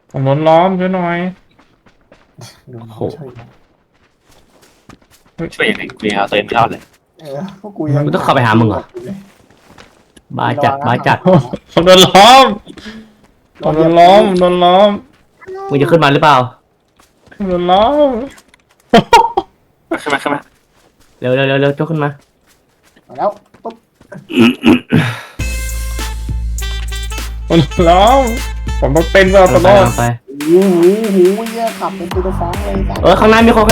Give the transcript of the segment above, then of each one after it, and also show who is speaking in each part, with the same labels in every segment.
Speaker 1: ผมโดนล้อมช่วยหน่อย
Speaker 2: โดน
Speaker 3: โอ้โห
Speaker 2: ช่วยนะ
Speaker 3: ช่วยยังไงกูยังเอาตัวเองไม่รอดเลย
Speaker 2: พวกกูยัง
Speaker 3: กูต้องเข้าไปหามึงเหรอ บ้าจัดบ้าจัด
Speaker 1: ผมโดนล้อมผมโดนล้อมผมโดนล้อม
Speaker 3: มึงจะขึ้นมาหรือเปล่า
Speaker 1: ผมโดนล้อม
Speaker 3: ขึ้นมาเร็วยกขึ้นมา
Speaker 2: มาแล้วปุ๊บ
Speaker 1: ผมโดนล้อมผมต้องเป็นเราตลอด
Speaker 3: ไป
Speaker 2: โอ้โหเหี้ยขับเป็นตัวฟ้องเลยสัตว์
Speaker 3: ข้างหน้ามีคน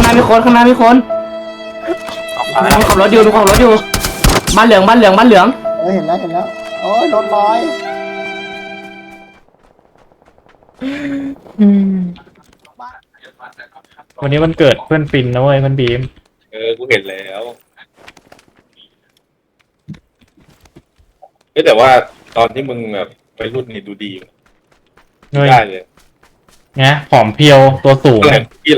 Speaker 3: มึงขับรถอยู่บ้านเหลือง
Speaker 2: เห็นแล้วโอ้ยรถลอย
Speaker 1: วันนี้วันเกิดเพื่อนปินนะเว้ยเพื่อนบีม
Speaker 4: กูเห็นแล้วแต่ว่าตอนที่มึงแบบไปรุ่นนี่ดูดีอยู่
Speaker 1: เฮ้ย
Speaker 4: ได้เลย
Speaker 1: ไงผอมเพรียวตัวสูง
Speaker 4: อะไรพี่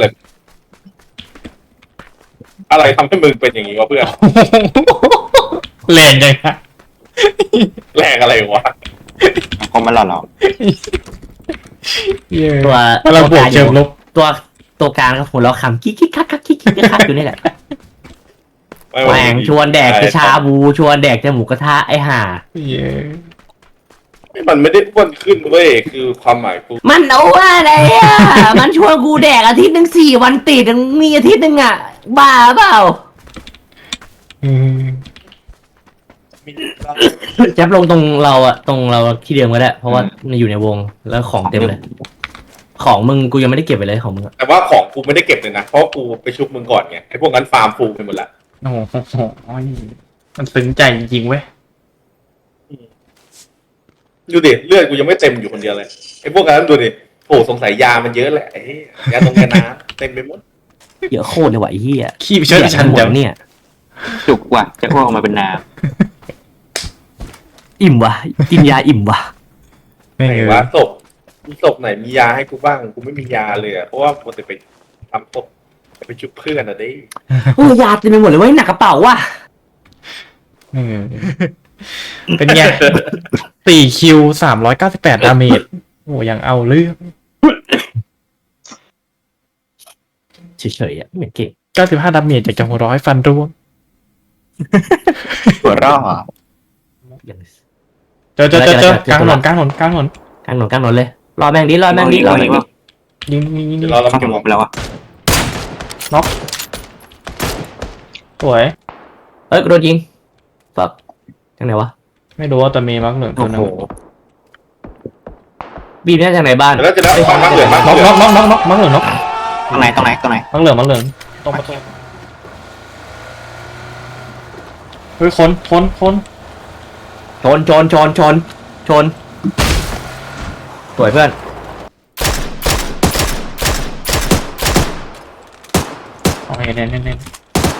Speaker 4: อะไรทำให้มึงเป็นอย่างนี้วะเพื่อน
Speaker 1: แรงจังฮะ
Speaker 4: แรงอะไรวะ
Speaker 5: คงมันหล่อหรอ
Speaker 3: ตัว
Speaker 1: เราบวกเชิงลบ
Speaker 3: ตัวกลางก็หัวเราะขำกิ๊กคักอยู่นี่แหละ
Speaker 4: ไม่
Speaker 3: แหวงชวนแดกชาบูชวนแดกหมูกระทะไอห่า
Speaker 1: เย้
Speaker 4: มันไม่ได้อ้วนขึ้นเว้ยคือความหมายกู
Speaker 3: มันเอาว่าอะไรอ่ะ มันชวนกูแดกอาทิตย์หนึ่ง4 วันติดมีอาทิตย์หนึ่งอ่ะบ้าเปล่า
Speaker 1: อืม
Speaker 3: แจ๊บลงตรงเราที่เดิมก็ได้เพราะว่ามันอยู่ในวงแล้วของเต็มเลย ของมึงกูยังไม่ได้เก็บไปเลยของมึงอะ
Speaker 4: แต่ว่าของกูไม่ได้เก็บเลยนะเพราะกูไปชุบมึงก่อนไงไอ้พวกนั้นฟาร์มฟูไปหมดละ
Speaker 1: โอ้โหมันซึ้งใจจริงๆเว้ย
Speaker 4: ดูดิเลือดกูยังไม่เต็มอยู่คนเดียวเลยไอ้พวกนั้นดูดิโอ้สงสัยยามันเยอะแหละไอ้ยาตรงยาน้ำเต็มไปหมด
Speaker 3: เยอะโคตรเลยว่ะไอ้เหี้ย
Speaker 1: ขี้ไปเชิดชันจัง
Speaker 3: เนี่ย
Speaker 5: จุกว่ะจะอ้วกออกมาเป็นน้
Speaker 3: อิ่มว่ะกินยาอิ่มว่ะ
Speaker 1: ไม่
Speaker 4: ไหน
Speaker 1: เง
Speaker 4: วะศพไหนมียาให้กูบ้างกูไม่มียาเลยอะเพราะว่าปกติไปทำศพไปชุบเพื่อนอะดิ
Speaker 3: โอ้ยยาเต็มไปหมดเลยเว้ยหนักกระเป๋าว่ะ
Speaker 1: เป็นไง4 คิว 398 ดาเมจโอ้ยังเอาเรื่อง
Speaker 3: เฉยๆอ่ะไม่เหมือนเก่ง
Speaker 1: 95 ดาเมจจากจังหวะร้อยฟันร่วง
Speaker 5: ำหัวร่อ
Speaker 3: อย่าง
Speaker 1: เจอกลางถนน
Speaker 3: กลางถนนเลยรอแม่งดิ
Speaker 5: เราอย่างนี้ว่า
Speaker 1: ยิง
Speaker 4: เดี๋ยวเรา
Speaker 5: เข้า
Speaker 4: เก็บ
Speaker 5: หมดไปแล้วอ่ะ
Speaker 1: สวย
Speaker 3: เอ้ยโดนยิงฟักทางไหนวะ
Speaker 1: ไม่รู้ว่าแต่มีมักเหลืองตั
Speaker 3: โอ้
Speaker 1: วนึ
Speaker 3: โห
Speaker 1: ง
Speaker 3: บีมเนี่ยจากไหนบ้าน
Speaker 4: แล้วจะได้ฟังมากเหลือมาก
Speaker 1: น็อก
Speaker 4: เหลือ
Speaker 1: มักเหลืองน็อก
Speaker 5: ตรงไหน
Speaker 1: มักเหลืองตรงประตูเฮ้ยคน
Speaker 3: ชนสวยเพื่อน
Speaker 1: โอเคเน้น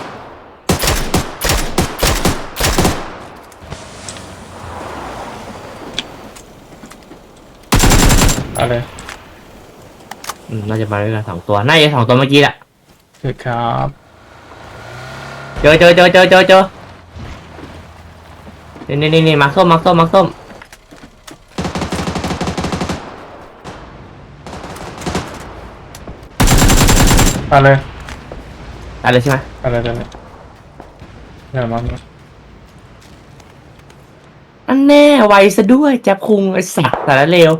Speaker 1: เอาเลย
Speaker 3: น่าจะมาด้วยกัน2 ตัวน่าจะ2 ตัวเมื่อกี้แหละ
Speaker 1: คือครับ
Speaker 3: เจอนี่มาร์คส้ม
Speaker 1: เอาเลย
Speaker 3: อะไรใช่ไหม
Speaker 1: เอาเลยเดี๋ยวมัก
Speaker 3: อันแน่ไวซะด้วยแจ๊บคุงไอ้สัตว์แต่ละเลว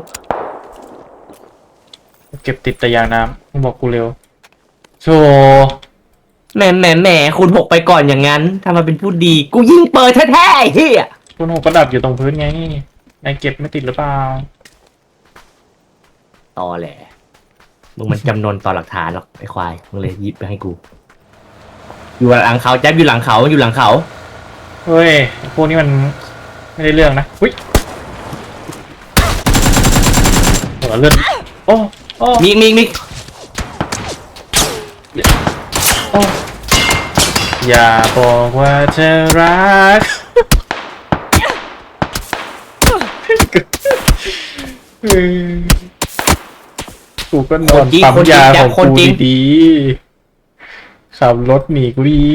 Speaker 1: เก็บติดแต่ยางน้ำมึงบอกกูเร็วโช
Speaker 3: แหมคุณ6ไปก่อนอย่างนั้นทำมาเป็นผู้ดีกูยิงเปิดแท้ๆไอ้เหี้ย
Speaker 1: คุณหกก็ดับอยู่ตรงพื้นไงนายเก็บไม่ติดหรือเปล่า
Speaker 3: ตอแหละมึงมันจำนนต่อหลักฐานหรอกไอ้ควายมึงเลยหยิบไปให้กูอยู่หลังเขาแจ๊บอยู่หลังเขา
Speaker 1: เฮ้ยพวกนี้มันไม่ได้เรื่องนะอุ้ยหัวเลือดโอ้
Speaker 3: มี
Speaker 1: โอ้อย่าบอกว่าเธอรักกูก็นอนปั๊มยาของกูดีๆขับรถหนีกูดี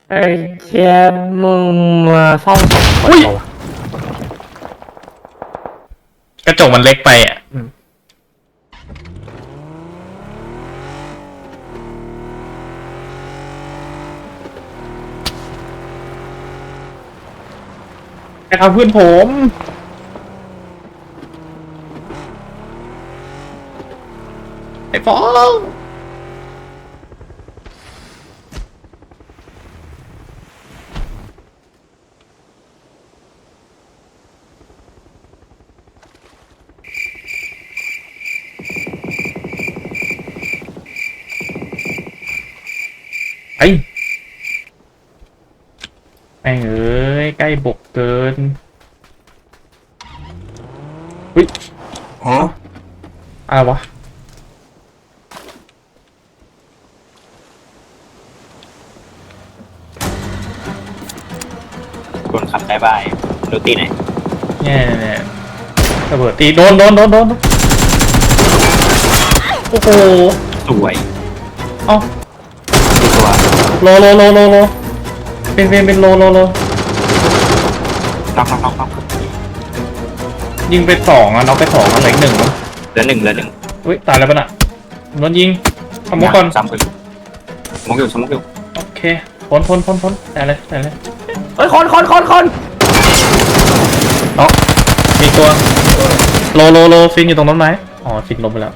Speaker 3: ไอ้เชี่ยมึงมาซ่อมของ
Speaker 1: อุ้ย กระจกมันเล็กไปอ่ะไปทำเพื่อนผมไอ้ฟองไอ้แม่งเอ้ยใกล้บกเกินอุ้ยอะไรวะ
Speaker 5: คนขับได้บายดูตีไหน
Speaker 1: เนี่ยระเบิดตีโดนโอ้โห
Speaker 5: สวย
Speaker 1: เอ้า
Speaker 5: ดีตัว
Speaker 1: โลเป็นโล
Speaker 5: น็อก
Speaker 1: ยิงไปสองอ่ะน็อกไปสองอ่ะเหลืออีกหนึ่งมั้ง
Speaker 5: เหลือหนึ่ง
Speaker 1: อุ้ยตายแล้วปะน่ะโดนยิงทำมุกก่อน
Speaker 5: สามคนสมองอยู่
Speaker 1: โอเคพ้นแต่เลย
Speaker 3: เฮ้ยคน
Speaker 1: เนาะมีตัวโลฟินอยู่ตรงต้นไม้อ๋อฟินลงไปแล้ว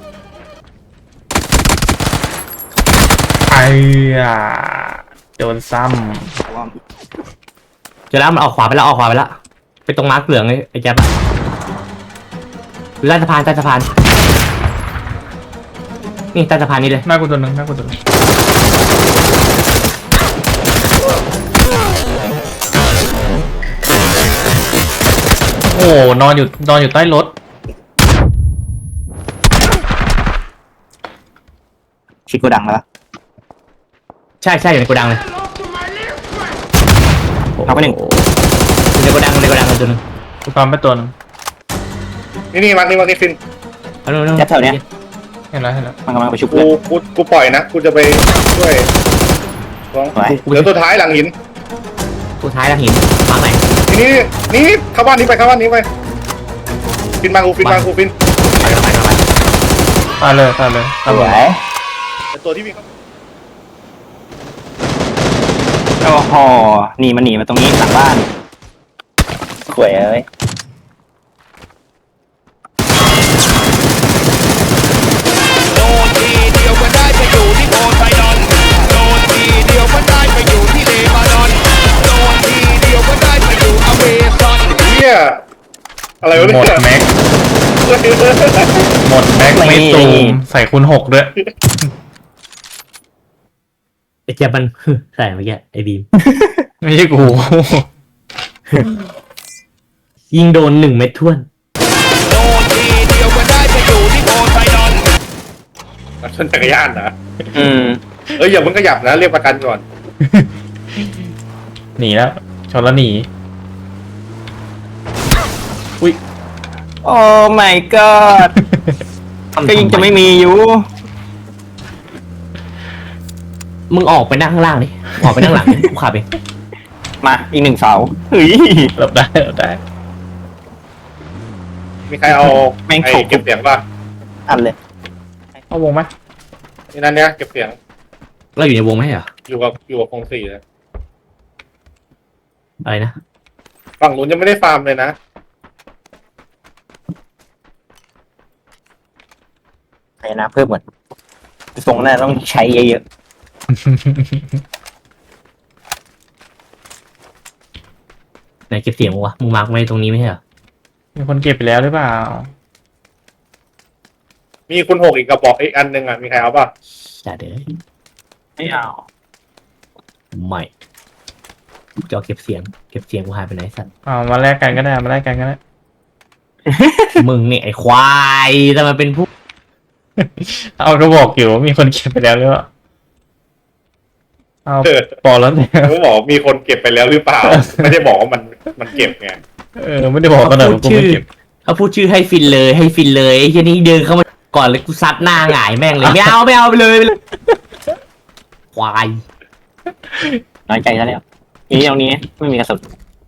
Speaker 1: ไอ้โดนซ้
Speaker 3: เจอแล้วมันออกขวาไปแล้วไปตรงมาร์คเหลืองไอ้แจ๊บอะใต้สะพานนี่ใต้สะพานนี่เลย
Speaker 1: ำหน้ากูตัวหนึ่งโอ้นอนอยู่ใต้รถ
Speaker 5: ชิดกูดังแล้ว
Speaker 3: ใช่อยู่ในโกดังเลย
Speaker 5: เอาไปหนึ่ง
Speaker 3: อยู่ในโกดังกันตัวนึง
Speaker 1: กูตามไปตัวหนึง
Speaker 4: นี่มาร์คฟิน
Speaker 3: เอาเร็ว
Speaker 5: แจ๊บแถวเนี้ย
Speaker 1: เห็นแล้ว
Speaker 5: มันกำลังไปชุบ
Speaker 4: กู
Speaker 5: เพื่อน
Speaker 4: กูปล่อยนะกูจะไปช่วยลอง
Speaker 5: ไว้
Speaker 4: เหลือตัวท้ายหลังหิน
Speaker 3: สุดท้ายแล้วหินมาร์คไหน
Speaker 4: นี่เข้าบ้านนี้ไปฟินมากูฟิน
Speaker 3: ไป
Speaker 1: ตายเลย
Speaker 5: ส
Speaker 1: ตาม
Speaker 5: วย
Speaker 4: แต่ตัวที่มี
Speaker 5: โอ้โหหนีมาตรงนี้หลังบ้านสวยเอ้ย
Speaker 6: โดนทีเดียวก็ได้ไปอยู่ที่โพไซดอนโดนทีเดียวก็ได้ไปอยู่ที่เลบานอนโดนทีเดียวก็ได้ไปอยู่อเมซอน
Speaker 4: เนี่ยอะไรวะ
Speaker 1: หมด
Speaker 4: เนี่ย
Speaker 1: แม็กไม่ตูมใส่คูณ 6ด้วย
Speaker 3: ไอ้แจ๊บมัน ใส่เมื่อกี้ไอ้บีม
Speaker 1: ไม่ใช่กู
Speaker 3: ยิงโดน1 เม็ดท้วน
Speaker 6: โดนทีเดียวก็ได้ไปอยู่ที่โพไซดอน
Speaker 4: ชนจักรยานนะ
Speaker 5: อย่
Speaker 4: าเพิ่งขยับนะเรียกประกันก่อน
Speaker 1: หนีแล้วชนแล้วหนี อุ้ย
Speaker 5: โอ้ my god ก็ยังจะไม่มีอยู่
Speaker 3: มึงออกไปนั่งข้างล่างดิออกไปนั่งหลังดิกูขับเอง
Speaker 5: มาอีก1เสาเฮ้ย
Speaker 1: หลบได้
Speaker 4: มีใครเอา
Speaker 5: แม่ง
Speaker 4: ไอ้
Speaker 5: ถูก
Speaker 4: เก็บเสียงป่ะ
Speaker 5: อันเลย
Speaker 1: เอาวงไหม
Speaker 4: นี่นั่นเนี่ยเก็บเสียง
Speaker 3: เราอยู่ในวงไหมเหรอ
Speaker 4: อยู่กับคงสี่เลย
Speaker 3: อะไรนะ
Speaker 4: ฝั่งนู้นยังไม่ได้ฟาร์มเลยนะ
Speaker 5: ใช้น้ำเพิ่มเหมือนทรงน่าต้องใช้เยอะ
Speaker 3: ไหนเก็บเสียงวะมึงมาร์กไว้ตรงนี้ไม่ใช่เหรอ
Speaker 1: มีคนเก็บไปแล้วหรือเปล่า
Speaker 4: มีคุณหกอีกกระบอกอีกอันหนึ่งอ่ะมีใครเอาป่ะ
Speaker 3: จ่าเด้อ
Speaker 5: ๆไม่เอา
Speaker 3: ไม่จะเอาเก็บเสียงกูหายไปไหนสัตว์
Speaker 1: มาแลกกันก็ได้
Speaker 3: มึงเนี่ยไอ้ควายทำไมเป็นผู้
Speaker 1: เอาก็บอกอยู่ว่ามีคนเก็บไปแล้วหรือเปล่าเอาบอกแล้วเนี่ย
Speaker 4: เขาบอกมีคนเก็บไปแล้วหรือเปล่า ไม่ได้บอกว่ามันเก็บไง
Speaker 1: ไม่ได้บอกกันหน่อยว่ากูไม่เก็บ
Speaker 3: เขาพูดชื่อให้ฟินเลยไอ้เหี้ยนี่เดินเข้ามาก่อนเลยกูซัดหน้าหงายแม่งเลยไม่เอาไปเลยควาย
Speaker 5: น้อยใจซะแล้วนี่ตรงนี้ไม่มีกระสุน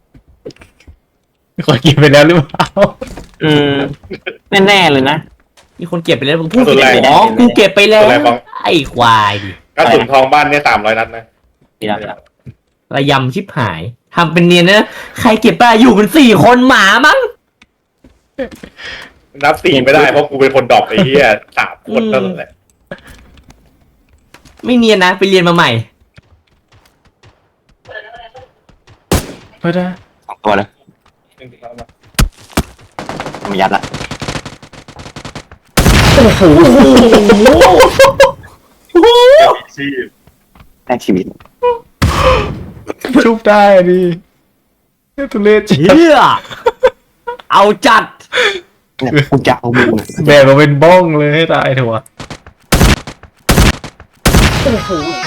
Speaker 1: คนกินไปแล้วหรือเปล่า
Speaker 5: อืมแน่ๆเลยนะ
Speaker 3: มีคนเก็บไปแล้วมึงพูด
Speaker 4: ส่วน
Speaker 3: ผิด
Speaker 4: แรก
Speaker 3: อ๋อกูเก็บไปแล้ว
Speaker 4: ส่วนแรกของ
Speaker 3: ไอ้ควายดิ
Speaker 4: กระสุนทองบ้านเนี่ย300 นัดนะ
Speaker 5: ดีแล้ว
Speaker 3: ระยำชิบหายทำเป็นเนียนนะใครเก็บไปอยู่กัน4 คนหมามั้ง
Speaker 4: นับ4ไม่ได้เพราะกูเป็นคนดรอปไอ้เหี้ย3 คนนั่นแหละ
Speaker 3: ไม่เนียนนะไปเรียนมาใหม่
Speaker 1: เฮ้ยนะ
Speaker 5: 2 ตัวเลยมายัดละ
Speaker 4: ชีพ
Speaker 5: แลกชีวิต
Speaker 1: ชุบได้อะดิทุเรศจริง
Speaker 3: เฮียเอาจัด
Speaker 5: เนี่ยกูจะเอามึง
Speaker 1: แบกมาเป็นบ้องเลยให้ตายเถอะวะ
Speaker 2: โอ้โห